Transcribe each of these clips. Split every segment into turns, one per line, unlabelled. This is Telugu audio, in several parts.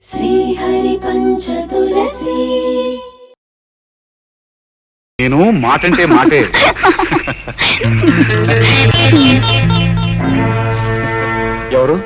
శ్రీహరి పంచతులసి
నేను మాటంటే మాటే. ఎవరు?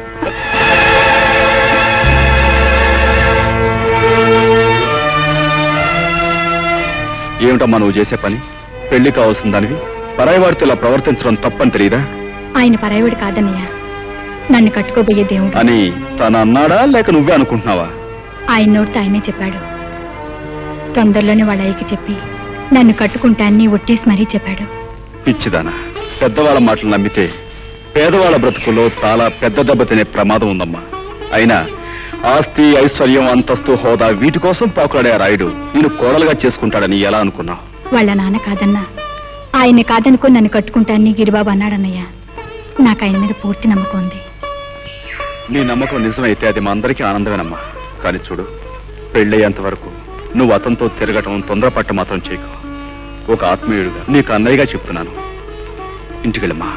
ఏమిటమ్మా నువ్వు చేసే పని? పెళ్లి కావాల్సిన దానివి పరాయివాడితో ఇలా ప్రవర్తించడం తప్పని తెలియదా?
ఆయన పరాయివాడు కాదన్నయ్య, నన్ను కట్టుకోబోయే దేవుడు
అని తను అన్నాడా లేక నువ్వే అనుకుంటున్నావా?
ఆయన నోటితో ఆయనే చెప్పాడు. తొందరలోనే వాళ్ళ అయ్యకి చెప్పి నన్ను కట్టుకుంటాన్ని ఒట్టేసి మరీ చెప్పాడు.
పిచ్చిదానా, పెద్దవాళ్ళ మాటలు నమ్మితే పేదవాళ్ళ బ్రతుకుల్లో చాలా పెద్ద దెబ్బ తినే ప్రమాదం ఉందమ్మా. అయినా ఆస్తి, ఐశ్వర్యం, అంతస్తు, హోదా వీటి కోసం పాకులాడే ఆ రాయుడు నేను కోడలుగా చేసుకుంటాడని ఎలా అనుకున్నావు?
వాళ్ళ నాన్న కాదన్నా, ఆయన్ని కాదనుకో నన్ను కట్టుకుంటాన్ని గిరిబాబు అన్నాడన్నయ్య. నాకు ఆయన మీద పూర్తి నమ్మకం ఉంది.
నీ నమ్మకం నిజమైతే అది మా అందరికీ ఆనందమేనమ్మా. కానీ చూడు, పెళ్ళయ్యేంత వరకు నువ్వు అతనితో తిరగటం, తొందరపట్ట మాత్రం చేయకు. ఒక ఆత్మీయుడుగా నీకు అన్నయ్యగా చెప్తున్నాను. ఇంటికెళ్ళమ్మా.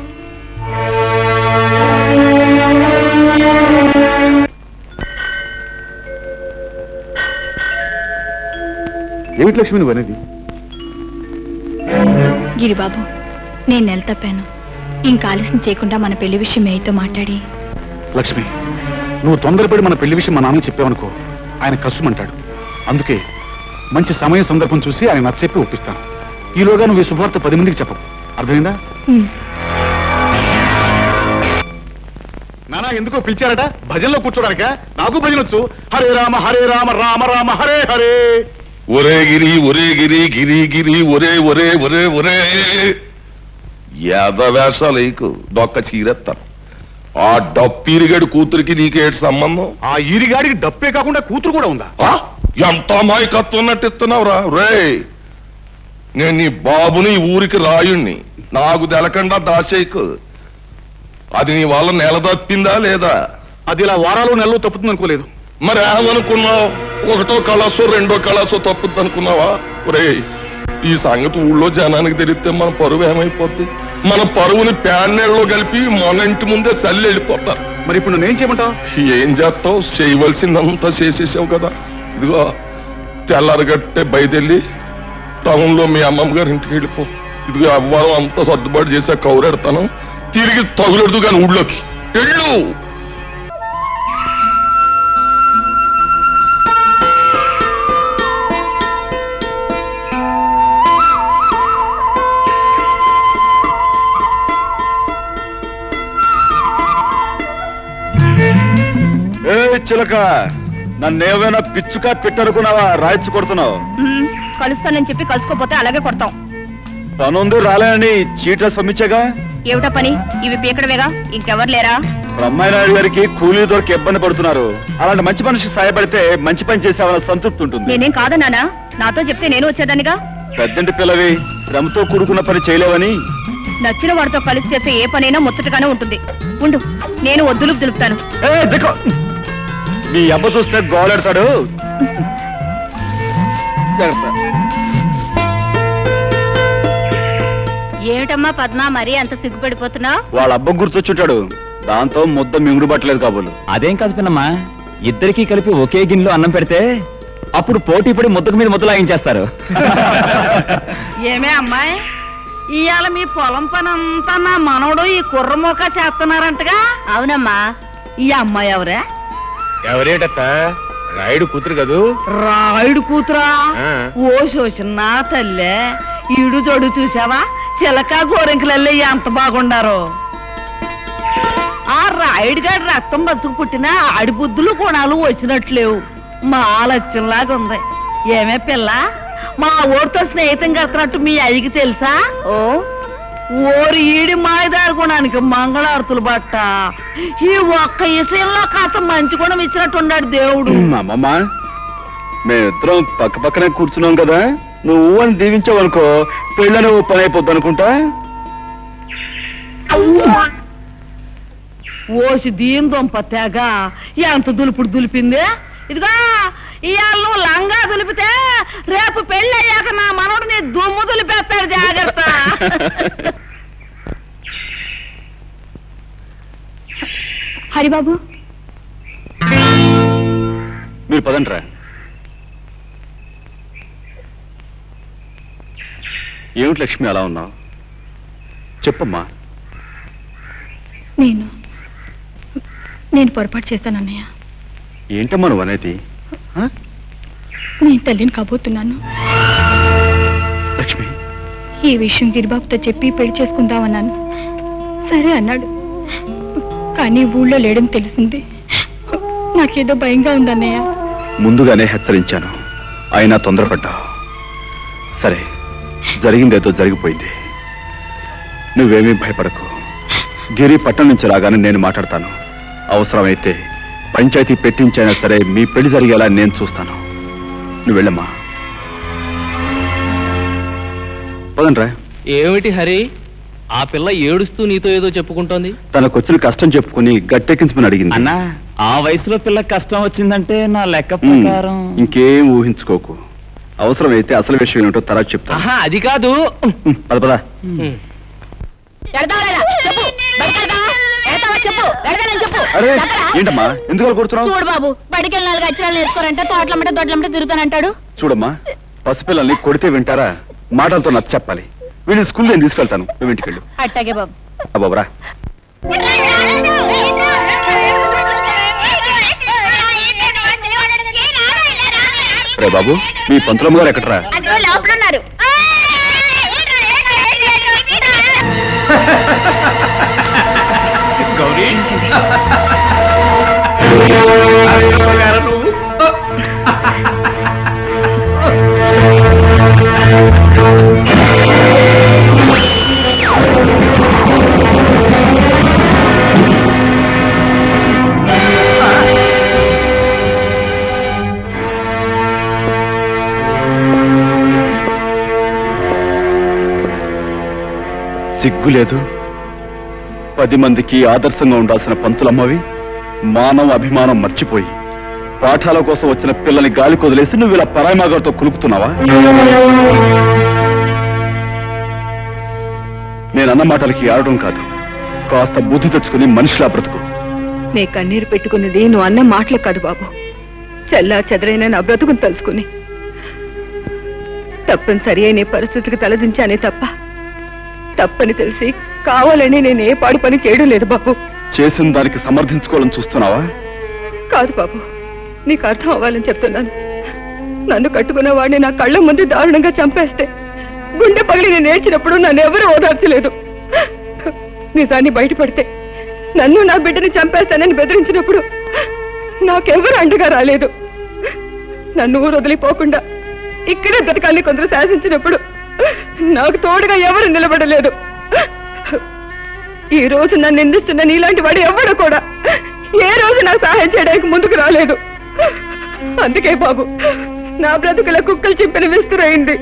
ఏమిటి లక్ష్మి నువ్వు అనేది?
గిరిబాబు, నేను నెల తప్పాను. ఇంకా ఆలస్యం చేయకుండా మన పెళ్లి విషయం మేయతో మాట్లాడి.
లక్ష్మి, నువ్వు తొందరపడి మన పెళ్లి విషయం మా నాన్నకి చెప్పావనుకో, ఆయన కష్టమంటాడు. అందుకే మంచి సమయం, సందర్భం చూసి ఆయన నచ్చచెప్పి ఒప్పిస్తాను. ఈలోగా నువ్వు ఈ శుభవార్త 10 మందికి చెప్పవు. అర్థమైందా? నానా ఎందుకో పిలిచారట? భజనలో కూర్చోడానిక? నాకు భజన వచ్చు. హరే రామ రామ రామ హరే హరే.
ఒరే గిరి, ఒరే గిరి, గిరి గిరి, ఒరే ఒరే ఒరే ఒరే. యాదవేషాలు దొక్క చీరెత్తాను. ఆ డప్పీరిగాడి కూతురికి నీకేటి సంబంధం?
ఆ ఈరిగాడికి డప్పే కాకుండా కూతురు కూడా ఉందా?
ఎంత అమాయకత్వం నటిస్తున్నావురా రే. నేను నీ బాబుని ఊరికి రాయుణ్ణి, నాకు తెలకుండా దాచేయకు. అది నీ వల్ల నెల తప్పిందా లేదా?
అది ఇలా వారాలు నెలలు తప్పుతుంది అనుకోలేదు.
మరి ఏమనుకున్నావు? ఒకటో కళాసో రెండో కళాసో తప్పుద్ది అనుకున్నావా? ఒరే, ఈ సంగతి ఊళ్ళో జనానికి తెలిస్తే మన పరువు ఏమైపోద్ది? మన పరువుని ప్యాన్నెళ్ళలో కలిపి మన ఇంటి ముందే చల్లి వెళ్ళిపోతారు.
మరి ఇప్పుడు నేను చేయమంటావు?
ఏం చేస్తావు? చేయవలసిందంతా చేసేసావు కదా. ఇదిగో తెల్లారగట్టే బయటెళ్ళి టౌన్ లో మీ అమ్మమ్మ గారి ఇంటికి వెళ్ళిపో. ఇదిగో అవ్వారం అంతా సర్దుబాటు చేసా, కౌరెడతాను. తిరిగి తగులెడదు కానీ ఊళ్ళోకి వెళ్ళు.
చిలక, నన్నేమైనా పిచ్చుకా పెట్టనుకున్నావా? రాయిచ్చు కొడుతున్నావు.
కలుస్తానని చెప్పి కలుసుకోపోతే అలాగే కొడతాం.
పనుంది రాలేని చీట్ల పంపించాగా.
ఏమిటా పని? ఇవి పీకడమేగా, ఇంకెవరు లేరా?
బ్రహ్మనాయుడు గారికి కూలీ దొరికి ఇబ్బంది పడుతున్నారు. అలాంటి మంచి మనిషి సాయపడితే మంచి పని చేసావన్న సంతృప్తి ఉంటుంది.
నేనేం కాదన్నానా? నాతో చెప్తే నేను వచ్చేదానిగా.
పెద్దంటి పిల్లవి, శ్రమతో కూడుకున్న పని చేయలేవని.
నచ్చిన వాడితో కలిసి చేస్తే ఏ పనైనా ముచ్చటగానే ఉంటుంది. ఉండు, నేను వద్దులు దులుపుతాను.
మీ అబ్బ చూస్తే గోలెడతాడు.
ఏమిటమ్మా పద్మ, మరీ అంత సిగ్గుపడిపోతున్నావు?
వాళ్ళ అబ్బ గుర్తొచ్చుంటాడు. దాంతో ముద్ద మింగుడు పట్టలేదు కాబోలు.
అదేం కాదు పిన్నమ్మా, ఇద్దరికీ కలిపి ఒకే గిన్నెలో అన్నం పెడితే అప్పుడు పోటీ పడి ముద్దకు మీద ముద్దలాయించేస్తారు.
ఏమే అమ్మాయి, ఇవాళ మీ పొలం పని అంతా నా మనవడు ఈ కుర్రమోక చేస్తున్నారంటగా?
అవునమ్మా.
ఈ అమ్మాయి ఎవరే?
ఎవరేటత్త? రాయుడు కూతురు కదూ.
రాయుడు కూతురా? ఓ శోషన్న తల్లే, ఈడు జోడు చూసావా? చిలక గోరెంకలల్లే ఎంత బాగుండారో. ఆ రాయుడు గారి రక్తం బతుకు పుట్టిన ఆడి బుద్ధులు గుణాలు వచ్చినట్లేవు. మా లక్ష్యంలాగా ఉంది. ఏమే పిల్ల, మా ఊరితో స్నేహితం కడుతున్నట్టు మీ అయ్యకి తెలుసా?
ఓ
ఓరి ఈడి మాయదారి గుణానికి మంగళారతులు బట్ట. ఈ ఒక్క విషయంలో కాస్త మంచి గుణం ఇచ్చినట్టున్నాడు దేవుడు.
అమ్మమ్మ, మేమిద్దరం పక్క పక్కనే కూర్చున్నాం కదా, నువ్వు అని దీవించావనుకో పెళ్ళని ఓ పని అయిపోద్ది అనుకుంటా.
ఓసి దీని దొంప తెగ ఎంత దులుపుడు దులిపింది. ఇదిగో ఇవాళ నువ్వు లంగా దులిపితే రేపు పెళ్లి అయ్యాక నా మనోడు నీ దుమ్ము దులిపేస్తాడు, జాగ్రత్త.
హరిబాబు,
పదండ్రా. ఏమిటి లక్ష్మి అలా ఉన్నావు? చెప్పమ్మా.
నేను పొరపాటు చేశాను అన్నయ్య.
ఏంటమ్మా నువ్వు అనేది?
నేను తల్లిని కాబోతున్నాను.
లక్ష్మి,
ఈ విషయం గిరిబాబుతో చెప్పి పెళ్లి చేసుకుందామన్నాను. సరే అన్నాడు. కానీ ఊళ్ళో లేడని తెలిసింది. నాకేదో భయంగా ఉందన్నయ్య.
ముందుగానే హెచ్చరించాను, అయినా తొందరపడ్డావు. సరే, జరిగిందేదో జరిగిపోయింది. నువ్వేమీ భయపడకు. గిరి పట్టణం నుంచి రాగానే నేను మాట్లాడతాను. అవసరమైతే పంచాయతీ పెట్టించైనా సరే మీ పెళ్లి జరిగేలా నేను చూస్తాను. నువ్వు వెళ్ళమ్మా. పదండ్రా.
ఏమిటి హరి, ఆ పిల్ల ఏడుస్తూ నీతో ఏదో చెప్పుకుంటోంది?
తనకొచ్చిన కష్టం చెప్పుకుని గట్టెక్కించమని అడిగింది.
అన్నా, ఆ వయసులో పిల్లకి కష్టం వచ్చిందంటే నా లెక్క ప్రకారం
ఇంకేం ఊహించుకోకు. అవసరమైతే అసలు విషయం ఏమిటో తర్వాత చెప్తాను.
ఆహా, అది కాదు.
పద పద. అరే ఏంటమ్మా, ఎందుకు అలా కొడుతున్నావు?
చూడు బాబు, బడికి వెళ్ళి 4 అక్షరాలు నేర్చుకోరంటే తోటలమ్మట దొడ్లమ్మట తిరుగుతానంటాడు.
చూడమ్మా, పసిపిల్లల్ని కొడితే వింటారా? మాటలతో నచ్చ చెప్పాలి. వీళ్ళని స్కూల్ నేను తీసుకెళ్తాను, నువ్వు ఇంటికి వెళ్ళు.
అట్టాగే బాబు.
బాబురా. రే బాబు, మీ పంతులమ్మ గారు ఎక్కడరా?
లోపల ఉన్నారు.
గౌరీ,
సిగ్గు లేదు? 10 మందికి ఆదర్శంగా ఉండాల్సిన పంతులమ్మవి మానవ అభిమానం మర్చిపోయి పాఠాల కోసం వచ్చిన పిల్లని గాలి కొదిలేసి నువ్వు ఇలా పరాయిమాగారితో కులుకుతున్నావా? నేనన్న మాటలకి ఆడడం కాదు, కాస్త బుద్ధి తెచ్చుకుని మనిషిలా బ్రతుకు.
నే కన్నీరు పెట్టుకున్నది నువ్వు అన్న మాటలు కాదు బాబు, చల్లా చెదరైన నా బ్రతుకుని తలుసుకుని తప్పనిసరి అయిన పరిస్థితికి తలదించానే తప్ప తప్పని తెలిసి కావాలని నేను ఏ పాడు పని చేయడం లేదు బాబు.
చేసిన దానికి సమర్థించుకోవాలని చూస్తున్నావా?
కాదు బాబు, నీకు అర్థం అవ్వాలని చెప్తున్నాను. నన్ను కట్టుకున్న వాడిని నా కళ్ళ ముందు దారుణంగా చంపేస్తే గుండె పగిలి నేను ఏడ్చినప్పుడు నన్ను ఎవరూ ఓదార్చలేదు. నిజాన్ని బయటపడితే నన్ను నా బిడ్డని చంపేస్తానని బెదిరించినప్పుడు నాకెవరు అండగా రాలేదు. నన్ను ఊరు వదిలిపోకుండా ఇక్కడే బ్రతకాలని కొందరు శాసించినప్పుడు నాకు తోడుగా ఎవరు నిలబడలేదు. ఈ రోజు నన్ను నిందిస్తున్న నీలాంటి వాడు ఎవడు కూడా ఏ రోజు నాకు సహాయం చేయడానికి ముందుకు రాలేదు. అందుకే బాబు నా బ్రతుకుల కుక్కలు చింపిన విస్తురైంది.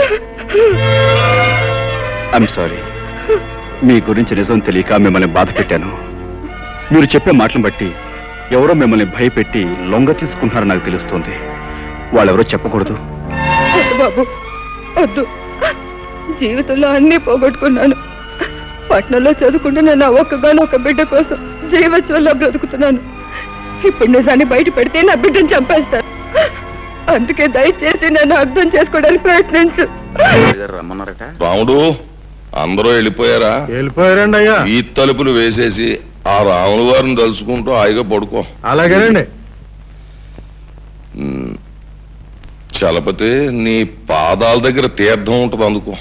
I'm sorry. మీ గురించి నిజం తెలియక మిమ్మల్ని బాధ పెట్టాను. మీరు చెప్పే మాటలను బట్టి ఎవరో మిమ్మల్ని భయపెట్టి లొంగ తీసుకుంటున్నారని నాకు తెలుస్తోంది. వాళ్ళెవరో చెప్పకూడదు.
వద్దు బాబు, వద్దు. జీవితంలో అన్నీ పోగొట్టుకున్నాను. పట్నంలో చదువుకుంటున్న నా ఒక్కగానొక్క బిడ్డ కోసం జీవోత్సవంలో బ్రతుకుతున్నాను. ఇప్పుడు నిజాన్ని బయట పెడితే నా బిడ్డను చంపేస్తాను. అందుకే దయచేసి నన్ను అర్థం చేసుకోవడానికి ప్రయత్నించు.
రమ్మన్నారట.
రాముడు, అందరూ వెళ్ళిపోయారా?
వెళ్ళిపోయారండి అయ్యా.
ఈ తలుపులు వేసేసి ఆ రాముడు వారిని తలుచుకుంటూ హాయిగా పడుకో.
అలాగేనండి.
చలపతి, నీ పాదాల దగ్గర తీర్థం ఉంటుంది, అందుకో.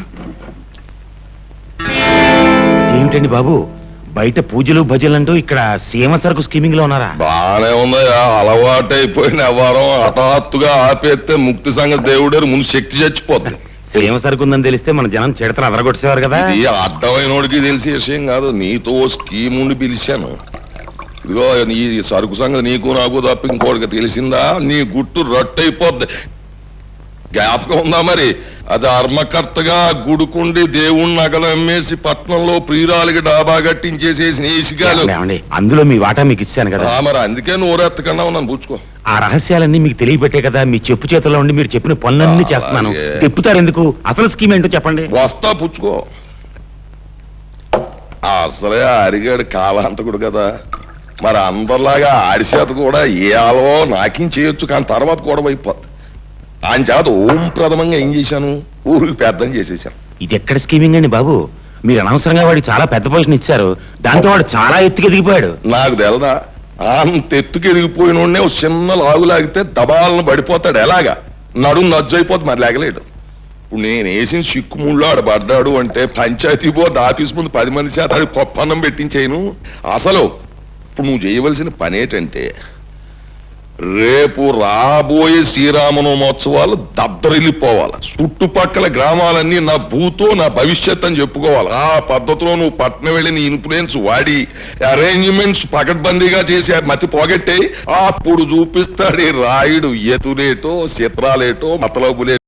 ఏమిటండి బాబు, బయట పూజలు భజనలు అంటూ ఇక్కడ సీమ సరుకు స్కీమింగ్ లో ఉన్నారా?
బానే ఉందయ్యా, అలవాటైపోయిన వ్యవహారం హఠాత్తుగా ఆపేస్తే ముక్తి సంగతి దేవుడేరు, ముందు శక్తి చచ్చిపోద్ది.
సీమ సరుకు ఉందని తెలిస్తే మన జనం చిడతలు అదరగొట్టేవారు కదా.
ఇది అర్థమైనోడికి తెలిసే విషయం కాదు. నీతో స్కీమ్ ఉండి పిలిచాను. ఇదిగో నీ సరుకు సంగతి నీకు నాకు తప్ప ఇంకోటికి తెలిసిందా? నీ గుట్టు రట్టయిపోద్ది. జ్ఞాపకం ఉందా మరి? అది ధర్మకర్తగా గుడుకుండి దేవుణ్ణి నగలు అమ్మేసి పట్నంలో ప్రియురాలికి డాబా కట్టించేసేసి నేసిగాలు.
అందులో మీ వాటా మీకు ఇచ్చాను కదా.
మరి అందుకే నోరెత్తకన్నా ఉన్నాను, పుచ్చుకో.
ఆ రహస్యాలన్నీ మీకు తెలియబట్టే కదా మీ చెప్పు చేతుల్లో ఉండి మీరు చెప్పిన పనులన్నీ చేస్తున్నాను. తిప్పుతారు ఎందుకు? అసలు స్కీమ్ ఏంటో చెప్పండి.
వస్తా, పుచ్చుకో. అసలే అరిగాడు కాలాంతకుడు కదా, మరి అందరిలాగా ఆడిచేత కూడా ఏ ఆలో నాకేం చేయొచ్చు, కానీ తర్వాత కూడా అయిపోద్ది. ఆయన చేత ఓం ప్రథమంగా ఏం చేశాను, ఊరికి పెద్దం చేసేసాను.
ఇది ఎక్కడ స్కీమింగ్ అండి బాబు? మీరు అనవసరంగా వాడికి చాలా పెద్ద పొజిషన్ ఇచ్చారు, దాంతో వాడు చాలా ఎత్తుకు ఎదిగిపోయాడు.
నాకు తెలదా, అంత ఎత్తుకు ఎదిగిపోయిన ఓ చిన్న లాగు లాగితే దబాలను పడిపోతాడు. ఎలాగా నడుము నజ్జైపోతుంది, మరి లేగలేడు. ఇప్పుడు నేను వేసిన చిక్కుముళ్ళు ఆడు పడ్డాడు అంటే పంచాయతీ బోర్డు ఆఫీస్ ముందు 10 మంది చేత ఆడి పప్పన్నం పెట్టించేయను. అసలు ఇప్పుడు నువ్వు చేయవలసిన పని ఏంటంటే, రేపు రాబోయే శ్రీరామనవమోత్సవాలు దద్దరిల్లిపోవాలి. చుట్టుపక్కల గ్రామాలన్నీ నా భూతో నా భవిష్యత్ అని చెప్పుకోవాలి. ఆ పద్ధతిలో నువ్వు పట్నం వెళ్ళి నీ ఇన్ఫ్లుయెన్స్ వాడి అరేంజ్మెంట్స్ పకడ్బందీగా చేసి మతి పోగొట్టే, అప్పుడు చూపిస్తాడు రాయుడు ఎతులేటో చిత్రాలేటో మతలబులే.